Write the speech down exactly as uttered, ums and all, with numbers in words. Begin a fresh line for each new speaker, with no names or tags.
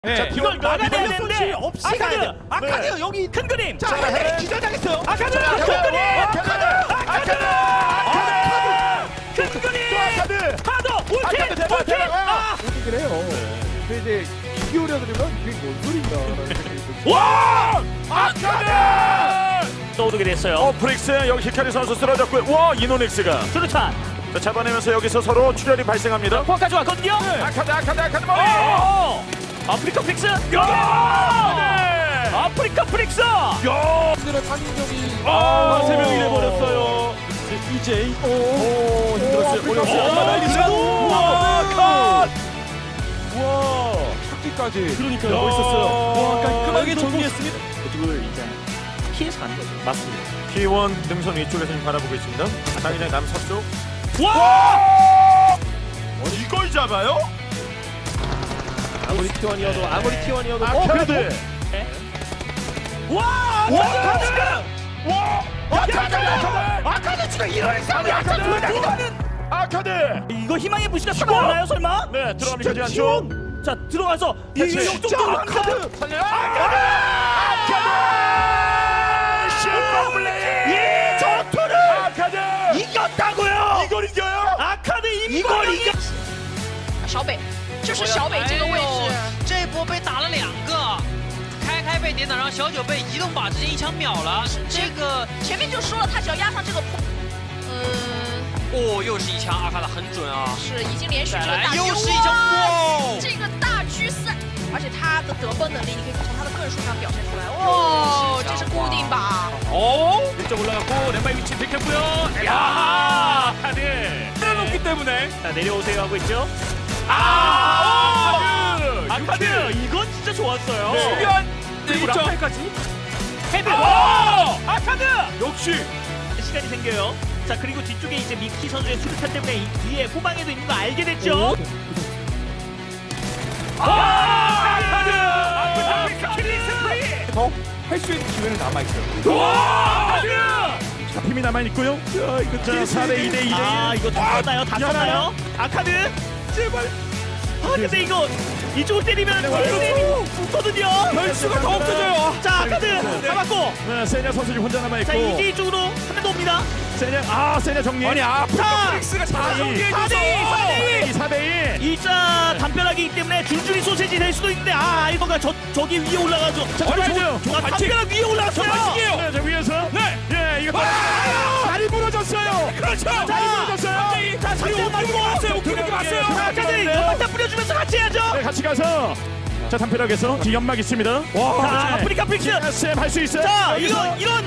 네.
자,
이걸 막아내야 되는데
없이
아카드!
가야 돼. 아카드
네.
여기
큰 그림!
자,
자,
아카드 기절당했어요.
아카드!
아카드!
큰 그림!
아카드!
아카드! 큰 그림!
아카드!
하도! 올킬!
아카드 대박
올킬!
대박!
아!
얘기를 해요. 근데 이제 비교를 들으면 그게 뭔 소린가라는 생각이 들어요.
와! 아카드!
떠오르게 됐어요.
어, 프릭스 여기 히카리 선수 쓰러졌고요. 와, 이노닉스가
수류탄!
자, 잡아내면서 여기서 서로 출혈이 발생합니다.
포까지 왔거든요?
아카드, 아카드, 아카드 머리!
어! 아프리카 프릭스!
야!
아프리카 프릭스!
야!
힘들어 창의적이
아, 세 명이 돼버렸어요.
이제이 오,
오, 힘들었어요.
아프리카
올렸어요.
프릭스.
아, 날리자. 우와, 컷! 우와.
찾기까지.
그러니까요. 멋있었어요.
와, 깔끔하게 정리했습니다.
이쪽을 이제 피해서 가는 거죠. 맞습니다.
T 원 능선 위쪽에서 지금 바라보고 있습니다. 당연히 남서쪽.
와!
어, 이걸 잡아요?
아무리 티원이어도 아무리 티원이어도
아카드.
와!
와,
아카드!
와! 아카드! 아카드!
아카드 지금 이런 싸움이
아카드!
아카드!
아카드!
이거 희망의 부시가 살아나요 설마?
네, 들어가면
진짜
되지 않죠?
자 들어가서 이
대체.
정도로
아카드! 살려요! 아카드! 아카드! 슈퍼블레이!
이 전투를
아카드!
이겼다고요!
이걸 이겨요?
아카드 이걸 이겨!
小北，就是小北这个位置，
这一波被打了两个，开开被点倒，然后小九被移动靶直接一枪秒了。这个
前面就说了，他只要压上这个坡，嗯，
哦，又是一枪，阿卡的很准啊！
是已经连续这
再来
个大狙，
又是一枪，
哇，
哇！
这个大狙三，而且他的得分能力，你可以从他的个人数上表现出来，哇，这是固定靶，
오! 일점 올라갔고 왼발 위치 비켰고요. 야! 아카드!
내려놓기 때문에.
자 내려오세요 하고 있죠.
아!
아카드! 이건 진짜 좋았어요.
네. 수비한
그리고
일 점.
라팔까지 헤드!
와!
아카드!
역시
시간이 생겨요. 자 그리고 뒤쪽에 이제 미키 선수의 수류탄 때문에 이 뒤에 후방에도 있는 거 알게 됐죠. 아! 아카드! 아카드! 킬링 스프리!
더 할 수 있는 기회는 남아 있어요.
와! 아카드!
힘이 남아 있고요. 자, 이거 자, 사 대 이 대 이 대
아 이거 다 썼나요? 다 썼나요? 아카드?
제발.
아 근데 이거 이쪽을 때리면 힐링이 붙거든요.
변수가 더 없어져요.
자 아카드 잡았고
네, 세냐 선수 지금 혼자 남아 있고.
자 이제 쪽으로 한 명 더 옵니다.
세냐 아, 세냐 정리. 아니, 아,
자
프릭스가 다
사 대 이,
정리해줘서.
사 대 이.
사 대 이.
일자 담벼락이기 때문에 줄줄이 소세지 될 수도 있는데 아 이거가 저 저기 위에 올라가죠. 자
어디
저-
가죠?
저- 아, 담벼락 위에 올라갔어요.
네, 저 위에서. 네. 예, 이거 다리 부러졌어요. 그렇죠. 다리 부러졌어요.
자 상대 맞고
왔어요. 오픈하게 왔어요.
자 아카드 연막탄 뿌려주면서 같이 해야죠.
네, 같이 가서 자, 담벼락에서 뒤 연막 있습니다.
자 아프리카 프릭스.
에스엠 할 수 있어요.
자
여기서.
이런 이런